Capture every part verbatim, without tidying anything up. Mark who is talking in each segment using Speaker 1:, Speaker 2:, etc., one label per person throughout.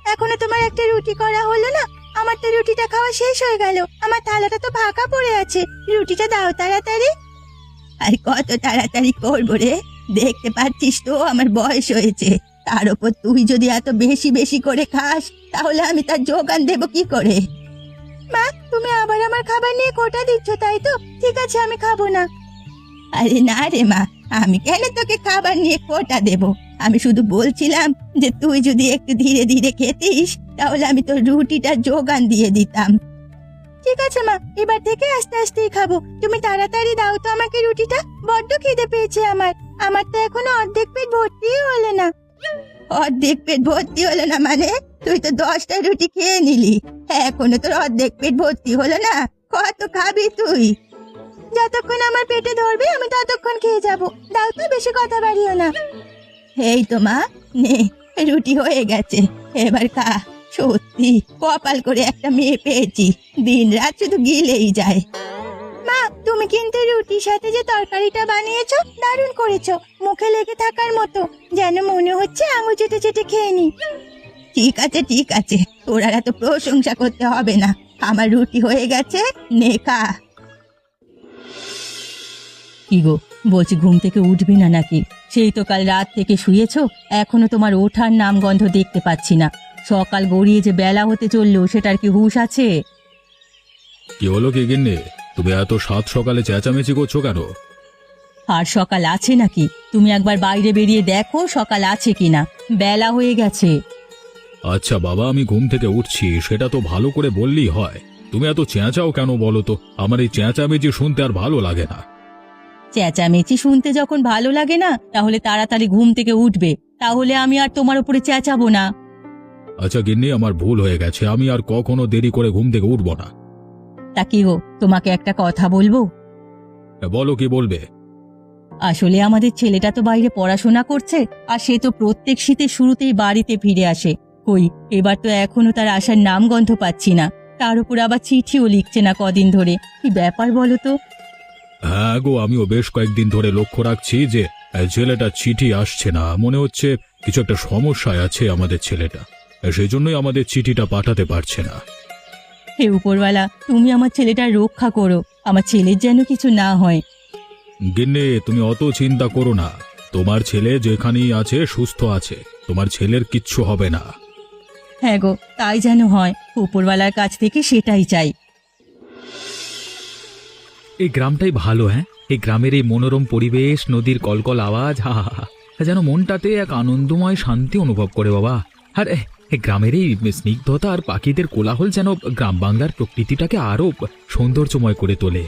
Speaker 1: এখনো তোমার একটা রুটি করা হলো না? আমার তো রুটিটা খাওয়া শেষ হয়ে গেল, আমার থালাটা তো ফাঁকা পড়ে আছে। রুটিটা দাও তাড়াতাড়ি। আর কত তাড়াতাড়ি করবো রে? দেখতে পাচ্ছিস তো আমার বয়স হয়েছে, তার উপর তুই যদি এত বেশি বেশি করে খাস তাহলে আমি তার যোগান দেব কি করে? মা, তুমি আবার আমার খাবার নিয়ে খোঁটা দিচ্ছ তাই তো? ঠিক আছে, আমি খাবো না। আরে না রে মা, আমি কেন তোকে খাবার নিয়ে খোঁটা দেব? আমি শুধু বলছিলাম যে তুই যদি একটু ধীরে ধীরে খেতিস তাহলে আমি তোর রুটিটা যোগান দিয়ে দিতাম। ঠিক আছে মা, এবার থেকে আস্তে আস্তেই খাবো। তুমি তাড়াতাড়ি দাও তো আমাকে রুটিটা, বড্ড খিদে পেয়েছে আমার। আমার তো এখনো অর্ধেক পেট ভর্তিই হলো না। অর্ধেক পেট ভর্তি হলো না মানে? তুই তো দশটা রুটি খেয়ে নিলি, এখনো তোর অর্ধেক পেট ভর্তি হলো না? কত খাবি তুই? যতক্ষণ আমার পেটে ধরবে আমি ততক্ষণ খেয়ে যাব। দাও তো, বেশি কথা বাড়িও না। এই তো মা, নে রুটি হয়ে গেছে, এবার খা। সত্যি কপাল করে একটা মেয়ে পেয়েছি, দিন রাত শুধু গিলেই যায়। মা, তুমি কিন্তু রুটির সাথে যে তরকারিটা বানিয়েছো দারুণ করেছো, মুখে লেগে থাকার মতো, যেন মনে হচ্ছে আঙুল চেটে চেটে খেয়ে নি। ঠিক আছে ঠিক আছে, তোর আর এত প্রশংসা করতে হবে না, আমার রুটি হয়ে গেছে, নে খা। কি গো, বলছি ঘুম থেকে উঠবি না নাকি? সেই তো কাল রাত থেকে শুয়েছো, এখনো তোমার ওঠার নাম গন্ধ দেখতে পাচ্ছি না। সকাল গড়িয়ে যে বেলা হতে চললো সেটার কি হুঁশ আছে?
Speaker 2: কি হলো কি গিন্নি, তুমি এত সাত সকালে চেঁচামেচি করছো কেন?
Speaker 1: আর সকাল আছে নাকি? তুমি একবার বাইরে বেরিয়ে দেখো সকাল আছে কিনা, বেলা হয়ে গেছে।
Speaker 2: আচ্ছা বাবা, আমি ঘুম থেকে উঠছি সেটা তো ভালো করে বললেই হয়, তুমি এত চেঁচাও কেন বলো তো? আমার এই চেঁচামেচি শুনতে আর ভালো লাগে না।
Speaker 1: চেঁচামেচি শুনতে যখন ভালো লাগে না তাহলে তাড়াতাড়ি ঘুম থেকে উঠবে, তাহলে আমি আর তোমার উপরে চেঁচাবো না।
Speaker 2: আচ্ছা গিন্নি, আমার ভুল হয়ে গেছে, আমি আর কখনো দেরি করে ঘুম থেকে উঠবো না।
Speaker 1: তা কি গো, তোমাকে একটা কথা বলবো?
Speaker 2: বলো, কি বলবে?
Speaker 1: আসলে আমাদের ছেলেটা তো বাইরে পড়াশোনা করছে, আর সে তো প্রত্যেক শীতের শুরুতেই বাড়িতে ফিরে আসে। কই, এবার তো এখনো তার আসার নাম গন্ধ পাচ্ছি না, তার উপর আবার চিঠিও লিখছে না কদিন ধরে। কি ব্যাপার বলো তো?
Speaker 2: হ্যাঁ গো, আমিও বেশ কয়েকদিন ধরে লক্ষ্য রাখছি যে আহ, ছেলেটা চিঠি আসছে না, মনে হচ্ছে কিছু একটা সমস্যায় আছে আমাদের ছেলেটা, সেই জন্যই আমাদের চিঠিটা পাঠাতে পারছে না।
Speaker 1: হে উপরওয়ালা, তুমি আমার ছেলেটার রক্ষা করো, আমার ছেলের যেন কিছু না হয়।
Speaker 2: গিন্নি, তুমি অত চিন্তা করো না, তোমার ছেলে যেখানেই আছে সুস্থ আছে, তোমার ছেলের কিচ্ছু হবে না।
Speaker 1: হ্যাঁ গো, তাই যেন হয়, উপরওয়ালার কাছ থেকে সেটাই চাই।
Speaker 3: এই গ্রামটাই ভালো। হ্যাঁ, এই গ্রামের এই মনোরম পরিবেশ, নদীর কলকল আওয়াজ, হা হা হা, যেন মনটাতে এক আনন্দময় শান্তি অনুভব করে বাবা। আর এ, এই গ্রামের এই স্নিগ্ধতা আর পাখিদের কোলাহল যেন গ্রাম বাংলার প্রকৃতিটাকে আরো সৌন্দর্যময় করে তোলে।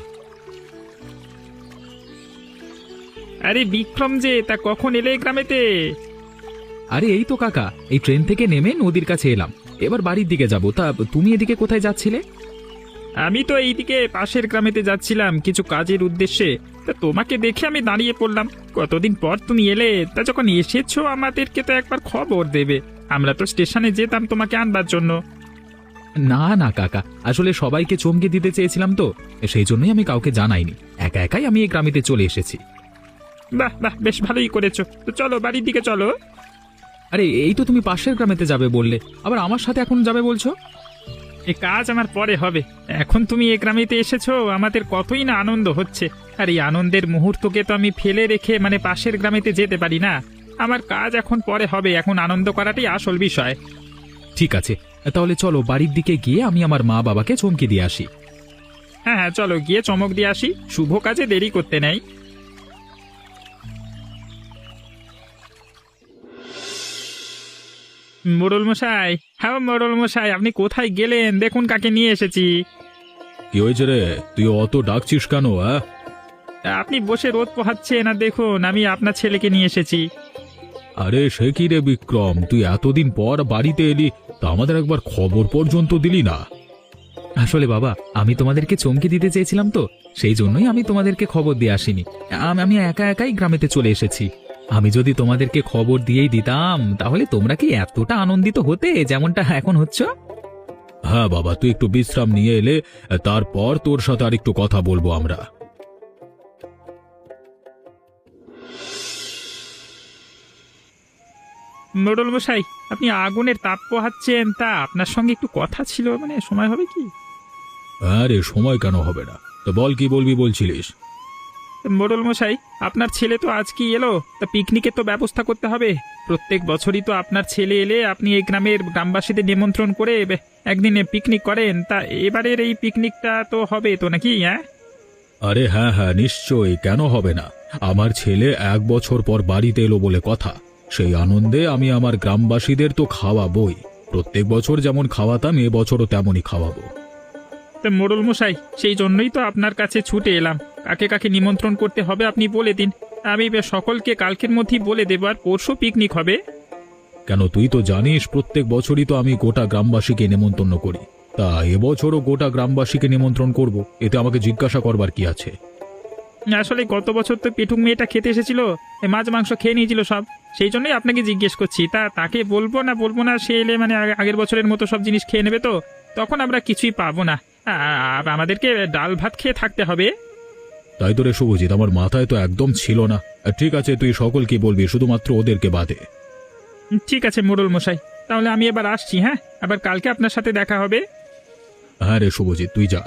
Speaker 4: আরে বিক্রম যে, তা কখন এলে এই গ্রামেতে?
Speaker 3: আরে এই তো কাকা, এই ট্রেন থেকে নেমে নদীর কাছে এলাম, এবার বাড়ির দিকে যাব। তা তুমি এদিকে কোথায় যাচ্ছিলে?
Speaker 4: আমি তো এইদিকে পাশের গ্রামেতে যাচ্ছিলাম কিছু কাজের উদ্দেশ্যে, তা তোমাকে দেখে আমি দাঁড়িয়ে পড়লাম। কতদিন পর তুমি এলে, তা যখন এসেছো আমাদেরকে তো একবার খবর দেবে, আমরা তো স্টেশনে যেতাম তোমাকে আনবার জন্য।
Speaker 3: না না কাকা, আসলে সবাইকে চমকে দিতে চেয়েছিলাম তো, সেই জন্যই আমি কাউকে জানাইনি, একা একাই আমি এই গ্রামেতে চলে এসেছি।
Speaker 4: বাহ বাহ, বেশ ভালোই করেছো। তো চলো বাড়ির দিকে চলো।
Speaker 3: আরে এই তো তুমি পাশের গ্রামেতে যাবে বললে, আবার আমার সাথে এখন যাবে বলছো?
Speaker 4: এই কাজ আমার পরে হবে, এখন তুমি এই গ্রামেতে এসেছো, আমাদের কতই না আনন্দ হচ্ছে। আর এই আনন্দের মুহূর্তকে তো আমি ফেলে রেখে মানে পাশের গ্রামেতে যেতে পারি না। আমার কাজ এখন পরে হবে, এখন আনন্দ করাটাই আসল বিষয়।
Speaker 3: ঠিক আছে, তাহলে চলো বাড়ির দিকে গিয়ে আমি আমার মা বাবাকে চমকে দিয়ে আসি।
Speaker 4: হ্যাঁ হ্যাঁ, চলো গিয়ে চমক দিয়ে আসি, শুভ কাজে দেরি করতে নেই। মোড়ল মশাই, হ্যাঁ মোড়ল মশাই, আপনি কোথায় গেলেন? দেখুন কাকে নিয়ে এসেছি।
Speaker 2: কি হয়েছে রে, তুই অত ডাকছিস কেন? হ্যাঁ,
Speaker 4: আপনি বসে রোদ পোহাচ্ছেন, আর দেখুন আমি আপনার ছেলেকে নিয়ে এসেছি।
Speaker 2: আরে সে কি রে বিক্রম, তুই এতদিন পর বাড়িতে এলি, তা আমাদের একবার খবর পর্যন্ত দিলি না।
Speaker 3: আসলে বাবা, আমি তোমাদেরকে চমকে দিতে চেয়েছিলাম তো, সেই জন্যই আমি তোমাদেরকে খবর দিয়ে আসিনি। আম- আমি একা একাই গ্রামেতে চলে এসেছি। আমি যদি তোমাদেরকে খবর দিয়েই দিতাম তাহলে তোমরা কি এতটা আনন্দিত হতে যেমনটা এখন হচ্ছ?
Speaker 2: হ্যাঁ বাবা, তুই একটু বিশ্রাম নিয়ে এলে তারপর তোর সাথে আর একটু কথা বলবো আমরা।
Speaker 4: মোড়ল মশাই, আপনি আগুনের তাপ পোহাচ্ছেন, তা আপনার সঙ্গে একটু কথা ছিল, মানে সময় হবে কি?
Speaker 2: আরে সময় কেন হবে না, তো বল কি বলবি বলছিলিস?
Speaker 4: মোড়ল মশাই, আপনার ছেলে তো আজকেই এলো, তা পিকনিকের তো ব্যবস্থা করতে হবে। প্রত্যেক বছরই তো আপনার ছেলে এলে আপনি এই গ্রামের গ্রামবাসীদের নিমন্ত্রণ করে বে- একদিন পিকনিক করেন, তা এবারের এই পিকনিকটা তো হবে তো নাকি? হ্যাঁ,
Speaker 2: আরে হ্যাঁ হ্যাঁ নিশ্চয়ই, কেন হবে না। আমার ছেলে এক বছর পর বাড়িতে এলো বলে কথা, সেই আনন্দে আমি আমার গ্রামবাসীদের তো খাওয়াবই। প্রত্যেক বছর যেমন খাওয়াতাম এ বছরও তেমনই খাওয়াবো।
Speaker 4: তো মোড়ল মশাই, সেই জন্যই তো আপনার কাছে ছুটে এলাম। কাকে কাকে নিমন্ত্রণ করতে হবে আপনি বলে দিন, আমি বে- সকলকে কালকের মধ্যেই বলে দেবো, আর পরশু পিকনিক হবে।
Speaker 2: কেন, তুই তো জানিস প্রত্যেক বছরই তো আমি গোটা গ্রামবাসীকে নেমন্তন্ন করি, তা এবছরও গোটা গ্রামবাসীকে নিমন্ত্রণ করব, এতে আমাকে জিজ্ঞাসা করবার কি আছে?
Speaker 4: আসলে গত বছর তো পেটুক মেয়েটা খেতে এসেছিল, এ মাছ মাংস খেয়ে নিয়েছিল সব, সেই জন্যই আপনাকে জিজ্ঞেস করছি। তা তাকে বলবো না বলবো না, সে এলে মানে আগে- আগের বছরের মতো সব জিনিস খেয়ে নেবে, তো তখন আমরা কিছুই পাবো না। আ- আ- আমাদেরকে ডাল ভাত খেয়ে থাকতে হবে।
Speaker 2: তাই তো রে শুভজিৎ, আমার মাথায় তো একদম ছিল না। ঠিক আছে, তুই সকলকে বলবি, শুধুমাত্র ওদেরকে বাদে।
Speaker 4: ঠিক আছে মোড়ল মশাই, তাহলে আমি এবার আসছি। হ্যাঁ, আবার কালকে আপনার সাথে দেখা হবে।
Speaker 2: হ্যাঁ রে শুভজিৎ, তুই যা।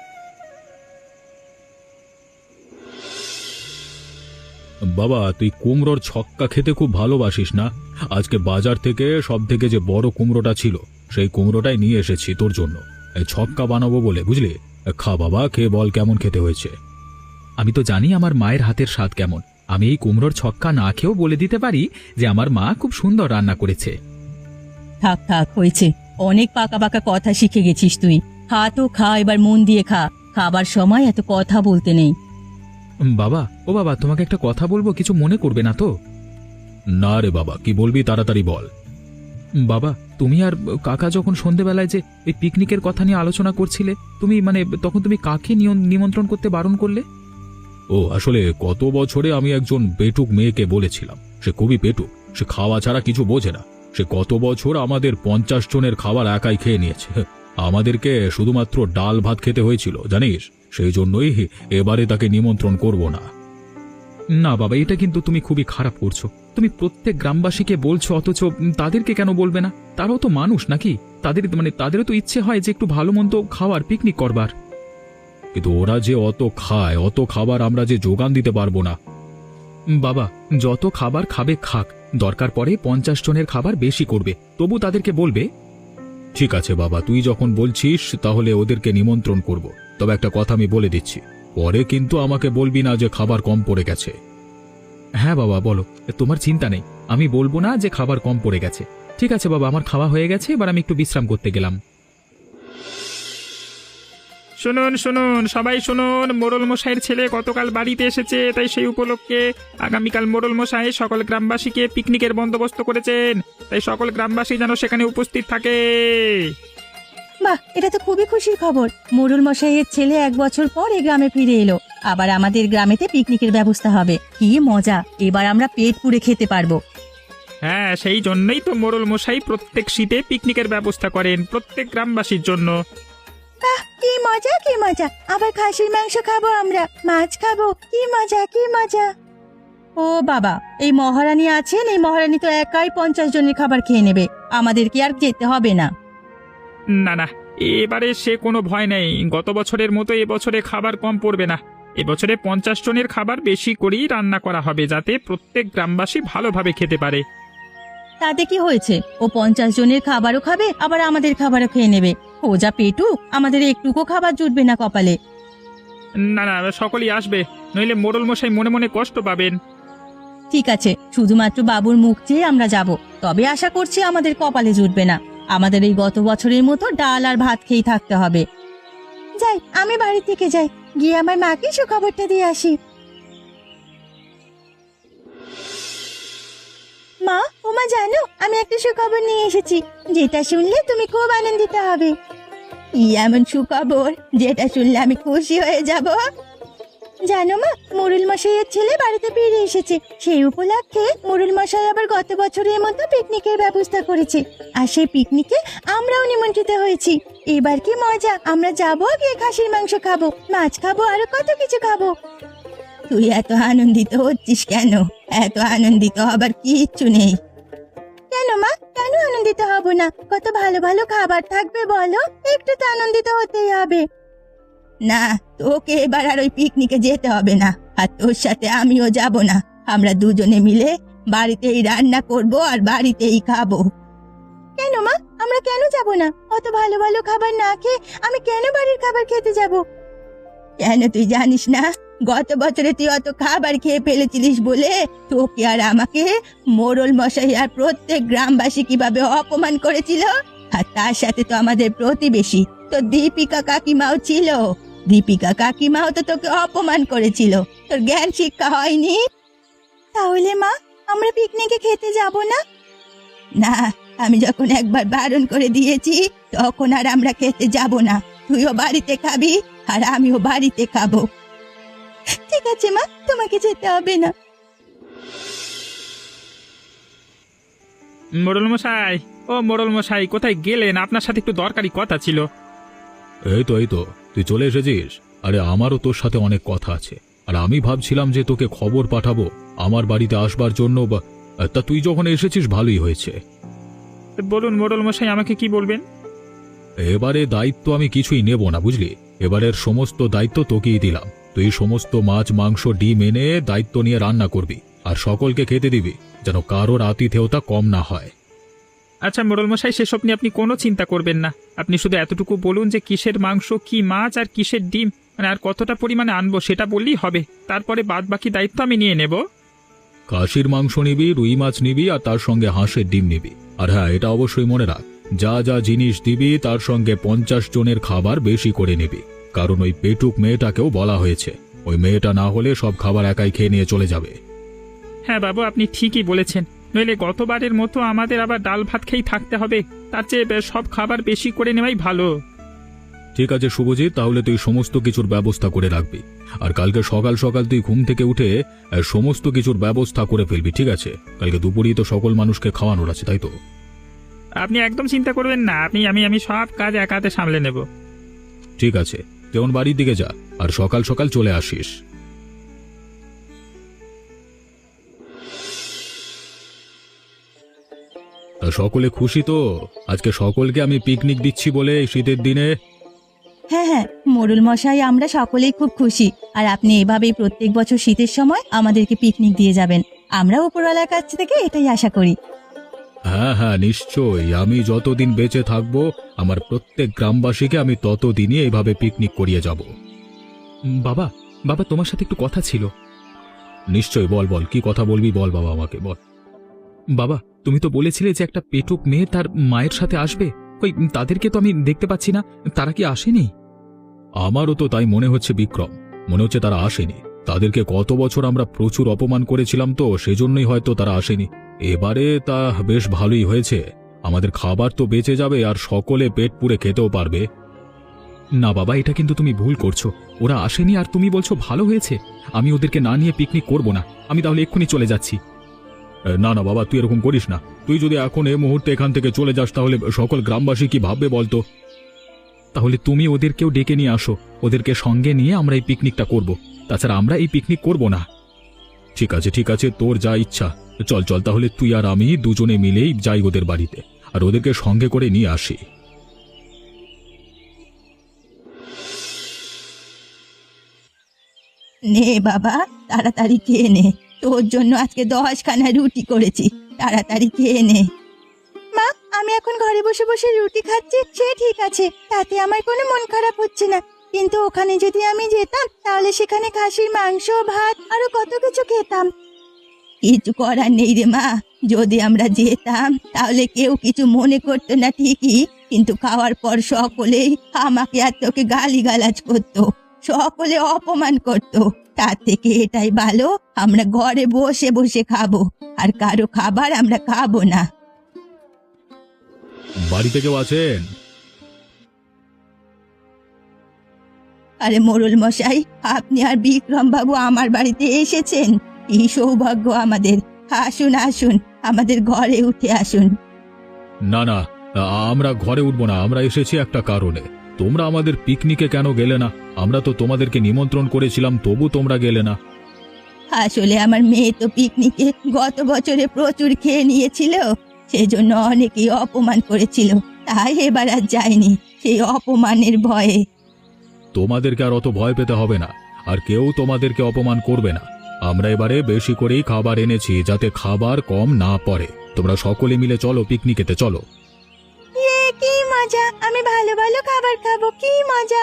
Speaker 2: বাবা, তুই কুমড়োর ছক্কা খেতে খুব ভালোবাসিস না? আজকে বাজার থেকে সব থেকে যে বড় কুমড়োটা ছিল সেই কুমড়োটাই নিয়ে এসেছি তোর জন্য, এই ছক্কা বানাবো বলে, বুঝলি? খা বাবা, খেয়ে বল কেমন খেতে হয়েছে।
Speaker 3: আমি তো জানি আমার মায়ের হাতের স্বাদ কেমন। আমি এই কুমড়োর ছক্কা না খেয়েও বলে দিতে পারি যে আমার মা খুব সুন্দর রান্না করেছে।
Speaker 1: থাক থাক হয়েছে, অনেক পাকা পাকা কথা শিখে গেছিস তুই। খা তো খা, এবার মন দিয়ে খা, খাবার সময় এত কথা বলতে নেই।
Speaker 3: উম, বাবা, ও বাবা, তোমাকে একটা কথা বলবো, কিছু মনে করবে না তো?
Speaker 2: না রে বাবা, কি বলবি তাড়াতাড়ি বল।
Speaker 3: উম, বাবা, তুমি আর কাকা যখন সন্ধেবেলায় যে এই পিকনিকের কথা নিয়ে আলোচনা করছিলে, তুমি মানে তখন তুমি কাকে নিয়ন- নিমন্ত্রণ করতে বারণ করলে?
Speaker 2: ও আসলে গত বছরে আমি একজন পেটুক মেয়েকে বলেছিলাম, সে খুবই পেটুক, সে খাওয়া ছাড়া কিছু বোঝে না। সে গত বছর আমাদের পঞ্চাশ জনের খাবার একাই খেয়ে নিয়েছে, আমাদেরকে শুধুমাত্র ডাল ভাত খেতে হয়েছিল জানিস। সেই জন্যই এবারে তাকে নিমন্ত্রণ করব না।
Speaker 3: না বাবা, এটা কিন্তু তুমি খুবই খারাপ করছো। তুমি প্রত্যেক গ্রামবাসীকে বলছো, অথচ উম, তাদেরকে কেন বলবে না? তারাও তো মানুষ নাকি? তাদের মানে তাদেরও তো ইচ্ছে হয় যে একটু ভালো মন্দ খাওয়ার, পিকনিক করবার।
Speaker 2: কিন্তু ওরা যে অত খায়, অত খাবার আমরা যে যোগান দিতে পারবো না।
Speaker 3: উম, বাবা, যত খাবার খাবে খাক, দরকার পড়ে পঞ্চাশ জনের খাবার বেশি করবে, তবু তাদেরকে বলবে।
Speaker 2: ঠিক আছে বাবা, তুই যখন বলছিস তাহলে ওদেরকে নিমন্ত্রণ করব। তবে একটা কথা আমি বলে দিচ্ছি, পরে কিন্তু আমাকে বলবি না যে খাবার কম পড়ে গেছে।
Speaker 3: হ্যাঁ বাবা, বলো, তোমার চিন্তা নেই, আমি বলবো না যে খাবার কম পড়ে গেছে। ঠিক আছে বাবা, আমার খাওয়া হয়ে গেছে, এবার আমি একটু বিশ্রাম করতে গেলাম।
Speaker 4: শুনুন শুনুন সবাই শুনুন, মোড়ল মশাইয়ের ছেলে গতকাল বাড়িতে এসেছে, তাই সেই উপলক্ষে আগামীকাল মোড়ল মশাই সকল গ্রামবাসীকে পিকনিকের বন্দোবস্ত করেছেন, তাই সকল গ্রামবাসী যেন সেখানে উপস্থিত থাকে।
Speaker 1: বাহ, এটা তো খুবই খুশির খবর। মোড়ল মশাইয়ের ছেলে এক বছর পর এই গ্রামে ফিরে এলো, আবার আমাদের গ্রামেতে পিকনিকের ব্যবস্থা হবে। কি মজা, এবার আমরা পেট পুড়ে খেতে পারবো।
Speaker 4: হ্যাঁ, সেই জন্যই তো মোড়ল মশাই প্রত্যেক শীতে পিকনিকের ব্যবস্থা করেন প্রত্যেক গ্রামবাসীর জন্য।
Speaker 1: আহ, কি মজা কি মজা, আবার খাসির মাংস খাবো, আমরা মাছ খাবো, কি মজা কি মজা। ও বাবা, এই মহারানী আছেন, এই মহারানী তো একাই পঞ্চাশ জনের খাবার খেয়ে নেবে, আমাদের কি আর যেতে হবে না?
Speaker 4: না না, এবারে সে কোনো ভয় নেই, গত বছরের মতো এবছরে খাবার কম পড়বে না। এবছরে পঞ্চাশ জনের খাবার বেশি করেই রান্না করা হবে, যাতে প্রত্যেক গ্রামবাসী ভালোভাবে খেতে পারে।
Speaker 1: তাতে কি হয়েছে, ও পঞ্চাশ জনের খাবারও খাবে, আবার আমাদের খাবারও খেয়ে নেবে। ও যা পেটু, আমাদের একটুকু খাবার জুটবে না কপালে।
Speaker 4: না না, সকলেই আসবে, নইলে মোড়ল মশাই মনে মনে কষ্ট পাবেন।
Speaker 1: ঠিক আছে, শুধুমাত্র বাবুর মুখ চেয়ে আমরা যাব, তবে আশা করছি আমাদের কপালে জুটবে না। আমাদের এই গত বছরের মতো ডাল আর ভাত খেয়ে থাকতে হবে। যাই, আমি বাড়ি থেকে যাই, গিয়ে আমার মাকে সুখবরটা দিয়ে আসি। মা, ওমা জানো, আমি একটা সুখবর নিয়ে এসেছি, যেটা শুনলে তুমি খুব আনন্দিত হবে। কি এমন সুখবর যেটা শুনলে আমি খুশি হয়ে যাব? জানো মা, মোড়ল মশাইয়ের ছেলে বাড়িতে ফিরে এসেছে, সেই উপলক্ষে মোড়ল মশাই আবার গত বছরের মতো পিকনিকের ব্যবস্থা করেছে, আর সেই পিকনিকে আমরাও নিমন্ত্রিত হয়েছি। এবার কি মজা, আমরা যাবো, গিয়ে খাসির মাংস খাবো, মাছ খাবো, আরো কত কিছু খাবো। তুই এত আনন্দিত হচ্ছিস কেন? এত আনন্দিত হবার কিচ্ছু নেই। আনন্দিত হব না? কত ভালো ভালো খাবার থাকবে বলো, একটু তো আনন্দিত হতেই হবে। না, তোকে এবার আর ওই পিকনিকে যেতে হবে না, আর তোর সাথে আমিও যাব না। আমরা দুজনে মিলে বাড়িতেই রান্না করব আর বাড়িতেই খাবো। কেন মা, আমরা কেন যাব না? অত ভালো ভালো খাবার না খেয়ে আমি কেন বাড়ির খাবার খেতে যাব? কেন তুই জানিস না? গত বছরে তুই অত খাবার খেয়ে ফেলেছিলিস বলে তোকে আর আমাকে মোড়ল মশাই আর প্রত্যেক গ্রামবাসী কিভাবে অপমান করেছিল। আর তার সাথে তো আমাদের প্রতিবেশী তো দীপিকা কাকিমাও ছিল। দীপিকা কাকিমাও তো তোকে অপমান করেছিল। তোর জ্ঞান শিক্ষা হয়নি? তাহলে মা, আমরা পিকনিকে খেতে যাব না? না, আমি যখন একবার বারণ করে দিয়েছি তখন আর আমরা খেতে যাব না। তুইও বাড়িতে খাবি আর আমিও বাড়িতে খাবো। ঠিক আছে মা, তোমাকে যেতে হবে না।
Speaker 4: মোড়ল মশাই, ও মোড়ল মশাই, কোথায় গেলেন? আপনার সাথে একটু দরকারি কথা ছিল।
Speaker 2: এই তো এই তো তুই চলে এসেছিস। আরে আমারও তোর সাথে অনেক কথা আছে, আর আমি ভাবছিলাম যে তোকে খবর পাঠাবো আমার বাড়িতে আসবার জন্য, বা তা তুই যখন এসেছিস ভালোই হয়েছে।
Speaker 4: বলুন মোড়ল মশাই, আমাকে কি বলবেন?
Speaker 2: এবারে দায়িত্ব আমি কিছুই নেব না, বুঝলি? এবারের সমস্ত দায়িত্ব তোকেই দিলাম। তুই সমস্ত মাছ মাংস ডিম এনে দায়িত্ব নিয়ে রান্না করবি আর সকলকে খেতে দিবি, যেন কারোর আতিথেয়তা কম না হয়।
Speaker 4: আচ্ছা মোড়ল মশাই, সেসব নিয়ে আপনি কোনো চিন্তা করবেন না। আপনি শুধু এতটুকু বলুন যে কিসের মাংস, কি মাছ আর কিসের ডিম, মানে আর কতটা পরিমাণে আনবো সেটা বললেই হবে। তারপরে বাদ বাকি দায়িত্ব আমি নিয়ে নেব।
Speaker 2: খাসির মাংস নিবি, রুই মাছ নিবি, আর তার সঙ্গে হাঁসের ডিম নিবি। আর হ্যাঁ, এটা অবশ্যই মনে রাখ, যা যা জিনিস দিবি তার সঙ্গে পঞ্চাশ জনের খাবার বেশি করে নিবি, কারণ ওই পেটুক মেয়েটাকেও বলা হয়েছে ওই মেয়েটা না হলে সব খাবার একাই খেয়ে নিয়ে চলে যাবে।
Speaker 4: হ্যাঁ বাবু, আপনি ঠিকই বলেছেন। নইলে গতবারের মতো আমাদের আবার ডাল ভাত খেয়েই থাকতে হবে। তার চেয়ে সব খাবার বেশি করে নেওয়াই ভালো।
Speaker 2: ঠিক আছে শুভজিৎ, তাহলে তুই সমস্ত কিছুর ব্যবস্থা করে রাখবি, আর কালকে সকাল সকাল তুই ঘুম থেকে উঠে আহ, সমস্ত কিছুর ব্যবস্থা করে ফেলবি, ঠিক আছে? কালকে দুপুরেই তো সকল মানুষকে খাওয়ানোর আছে, তাই তো?
Speaker 4: আপনি একদম চিন্তা করবেন না, আপনি আমি আমি সব কাজ এক হাতে সামলে নেব।
Speaker 2: ঠিক আছে, যেমন বাড়ির দিকে যা, আর সকাল সকাল চলে আসিস। তা সকলে খুশি তো? আজকে সকলকে আমি পিকনিক দিচ্ছি বলে এই শীতের দিনে।
Speaker 1: হ্যাঁ হ্যাঁ, মোড়ল মশাই, আমরা সকলেই খুব খুশি। আর আপনি এভাবেই প্রত্যেক বছর শীতের সময় আমাদেরকে পিকনিক দিয়ে যাবেন, আমরা উপরওয়ালার কাছ থেকে এটাই আশা করি।
Speaker 2: হ্যাঁ হ্যাঁ, নিশ্চয়ই। আমি যতদিন বেঁচে থাকবো আমার প্রত্যেক গ্রামবাসীকে আমি ততদিনই এইভাবে পিকনিক করিয়ে যাব।
Speaker 3: বাবা, বাবা তোমার সাথে একটু কথা ছিল।
Speaker 2: নিশ্চয়ই, বল বল, কি কথা বলবি বল বাবা, আমাকে বল।
Speaker 3: বাবা, তুমি তো বলেছিলে যে একটা পেটুক মেয়ে তার মায়ের সাথে আসবে। কই, তাদেরকে তো আমি দেখতে পাচ্ছি না, তারা কি আসেনি?
Speaker 2: আমারও তো তাই মনে হচ্ছে বিক্রম, মনে হচ্ছে তারা আসেনি। তাদেরকে গত বছর আমরা প্রচুর অপমান করেছিলাম, তো সেজন্যই হয়তো তারা আসেনি। এবারে তা বেশ ভালোই হয়েছে, আমাদের খাবার তো বেঁচে যাবে আর সকলে পেট পুড়ে খেতেও পারবে।
Speaker 3: না বাবা, এটা কিন্তু তুমি ভুল করছো। ওরা আসেনি আর তুমি বলছো ভালো হয়েছে। আমি ওদেরকে না নিয়ে পিকনিক করব না। আমি তাহলে এক্ষুনি চলে যাচ্ছি।
Speaker 2: এ, না না বাবা, তুই এরকম করিস না। তুই যদি এখন এই মুহূর্তে এখান থেকে চলে যাস তাহলে সকল গ্রামবাসী কি ভাববে বলতো?
Speaker 3: তাহলে তুমি ওদেরকেও ডেকে নিয়ে আসো, ওদেরকে সঙ্গে নিয়ে আমরা এই পিকনিকটা করব। তাছাড়া আমরা এই পিকনিক করব না।
Speaker 2: ঠিক আছে ঠিক আছে, তোর যা ইচ্ছা। চল চল, তাহলে তুই আর আমি দুজনে মিলেই যাই ওদের বাড়িতে, আর ওদেরকে সঙ্গে করে নিয়ে আসি।
Speaker 1: নে বাবা, তাড়াতাড়ি খেয়ে নে, তোর জন্য আজকে দশখানা রুটি করেছি, তাড়াতাড়ি খেয়ে নে। মা, আমি এখন ঘরে বসে বসে রুটি খাচ্ছি, সে ঠিক আছে, তাতে আমার কোনো মন খারাপ হচ্ছে না। কিন্তু ওখানে যদি আমি যেতাম তাহলে সেখানে খাসির মাংস, ভাত আরো কত কিছু খেতাম। কিছু করার নেই রে মা, যদি আমরা যেতাম তাহলে কেউ কিছু মনে করতো না ঠিকই, কিন্তু খাওয়ার পর সকলেই আমাকে আর তোকে গালিগালাজ করতো, সকলে অপমান করতো। তার থেকে এটাই ভালো, আমরা ঘরে বসে বসে খাবো, আর কারো খাবার আমরা খাবো না।
Speaker 2: বাড়িতে কেউ আছেন?
Speaker 1: আরে মোড়ল মশাই, আপনি আর বিক্রম বাবু আমার বাড়িতে এসেছেন, এই সৌভাগ্য আমাদের। আসুন আসুন, আমাদের ঘরে উঠে আসুন।
Speaker 2: না না, আমরা ঘরে উঠবো না। আমরা এসেছি একটা কারণে। তোমরা আমাদের পিকনিকে কেন গেলে না? আমরা তো তোমাদেরকে নিমন্ত্রণ করেছিলাম, তবু তোমরা গেলে না।
Speaker 1: আসলে আমার মেয়ে তো পিকনিকে গত বছরে প্রচুর খেয়ে নিয়েছিল, সেজন্য অনেকেই অপমান করেছিল, তাই এবার আর যায়নি সেই অপমানের ভয়ে।
Speaker 2: তোমাদেরকে আর অত ভয় পেতে হবে না, আর কেউ তোমাদেরকে অপমান করবে না। আমরা এবারে বেশি করেই খাবার এনেছি যাতে খাবার কম না পড়ে। তোমরা সকলে মিলে চলো, পিকনিকেতে চলো।
Speaker 1: এ কি মজা, আমি ভালো ভালো খাবার খাবো, কি মজা।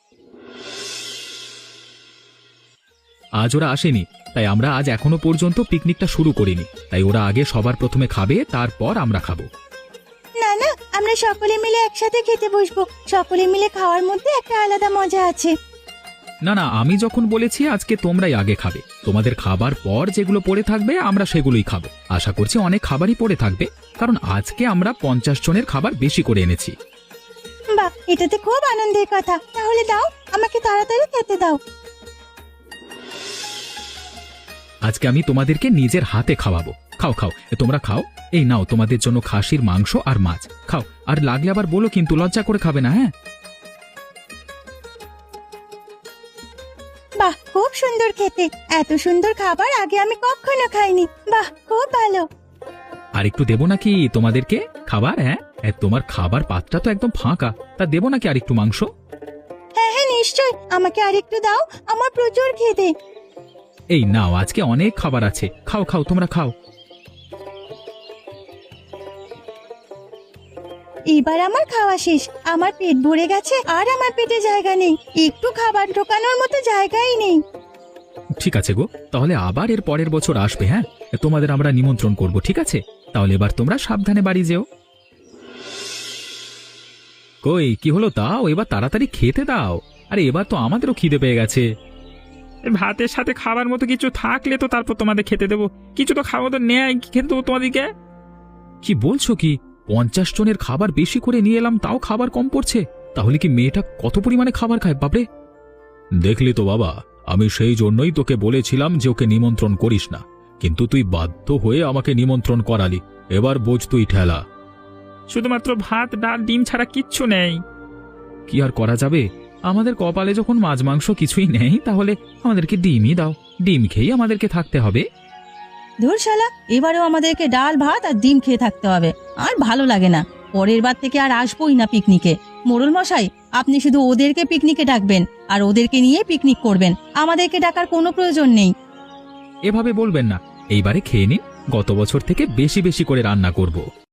Speaker 3: আজ ওরা আসেনি, তাই আমরা আজ এখনো পর্যন্ত পিকনিকটা শুরু করিনি। তাই ওরা আগে সবার প্রথমে খাবে, তারপর আমরা খাবো।
Speaker 1: না না, আমরা সকলে মিলে একসাথে খেতে বসবো। সকলে মিলে খাওয়ার মধ্যে একটা আলাদা মজা আছে।
Speaker 3: না না, আমি যখন বলেছি আজকে তোমরাই আগে খাবে, তোমাদের খাবার পর যেগুলো পড়ে থাকবে আমরা সেগুলোই খাবো। আশা করছি অনেক খাবারই পড়ে থাকবে, কারণ আজকে আমরা পঞ্চাশ জনের খাবার বেশি করে এনেছি।
Speaker 1: বাহ, এটাতে খুব আনন্দের কথা। তাহলে দাও, আমাকে তাড়াতাড়ি খেতে দাও।
Speaker 3: আজকে আমি তোমাদেরকে নিজের হাতে খাওয়াবো। খাও খাও, এ তোমরা খাও। এই নাও তোমাদের জন্য খাসির মাংস আর মাছ। খাও, আর লাগলে আবার বলো কিন্তু, লজ্জা করে খাবে না, হ্যাঁ?
Speaker 1: বাহ, খুব সুন্দর খেতে। এত সুন্দর খাবার আগে আমি কখনো খাইনি। বাহ, খুব ভালো।
Speaker 3: আর একটু দেবো নাকি তোমাদেরকে খাবার? হ্যাঁ, এ, তোমার খাবার পাত্রটা তো একদম ফাঁকা, তা দেবো নাকি আর একটু মাংস?
Speaker 1: হ্যাঁ হ্যাঁ, নিশ্চয়, আমাকে আরেকটু দাও, আমার প্রচুর খিদে।
Speaker 3: এই নাও, আজকে অনেক খাবার আছে, খাও খাও, তোমরা খাও।
Speaker 1: এবার আমার খাওয়া শেষ, আমার পেট ভরে গেছে, আর আমার পেটে জায়গা নেই, একটু খাবার ঢোকানোর মতো জায়গাই নেই।
Speaker 3: ঠিক আছে গো, তাহলে আবার এর পরের বছর আসবে, হ্যাঁ? তোমাদের আমরা নিমন্ত্রণ করব, ঠিক আছে? তাহলে এবার তোমরা সাবধানে বাড়ি যেও। কই, কি হলো তাও? এবার তাড়াতাড়ি খেতে দাও। আরে এবার তো আমাদেরও খিদে পেয়ে গেছে।
Speaker 4: এই ভাতের সাথে খাবার মতো কিছু থাকলে তো তারপর তোমাদের খেতে দেবো। কিছু তো খাওয়া তো নেয়, কি খেতে দেবো তোমাদেরকে?
Speaker 3: কি বলছো কি? পঞ্চাশ জনের খাবার বেশি করে নিয়ে এলাম, তাও খাবার কম পড়ছে? তাহলে কি মেয়েটা কত পরিমাণে খাবার খায় বাপরে!
Speaker 2: দেখলি তো বাবা, আমি সেই জন্যই তোকে বলেছিলাম যে ওকে নিমন্ত্রণ করিস না, কিন্তু তুই বাধ্য হয়ে আমাকে নিমন্ত্রণ করালি। এবার বোঝ তুই ঠেলা।
Speaker 4: শুধুমাত্র ভাত, ডাল, ডিম ছাড়া কিচ্ছু নেই।
Speaker 3: কি আর করা যাবে? আমাদের কপালে যখন মাছ মাংস কিছুই নেই, তাহলে আমাদেরকে ডিমই দাও। ডিম খেয়েই আমাদেরকে থাকতে হবে।
Speaker 1: ধুর শালা, এবারেও আমাদেরকে ডাল ভাত আর ডিম খেয়ে থাকতে হবে। আর ভালো লাগে না, পরের বার থেকে আর আসবোই না পিকনিকে। মোড়ল মশাই, আপনি শুধু ওদেরকে পিকনিকে ডাকবেন আর ওদেরকে নিয়ে পিকনিক করবেন, আমাদেরকে ডাকার কোনো প্রয়োজন নেই।
Speaker 3: এভাবে বলবেন না, এইবারে খেয়ে নিন, গত বছর থেকে বেশি বেশি করে রান্না করব।